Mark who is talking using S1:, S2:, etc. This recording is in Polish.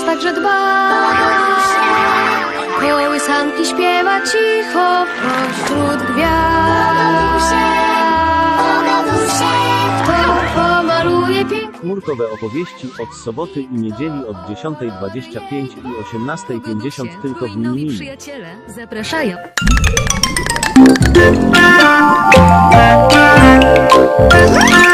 S1: także dba. Kołysanki śpiewa cicho pośród gwiazd. Kto pomaluje pięknie.
S2: Chmurkowe opowieści od soboty i niedzieli od 10:25 i 18:50 tylko w
S1: Nowi
S2: Minimini.
S1: przyjaciele zapraszają.
S3: Thank you.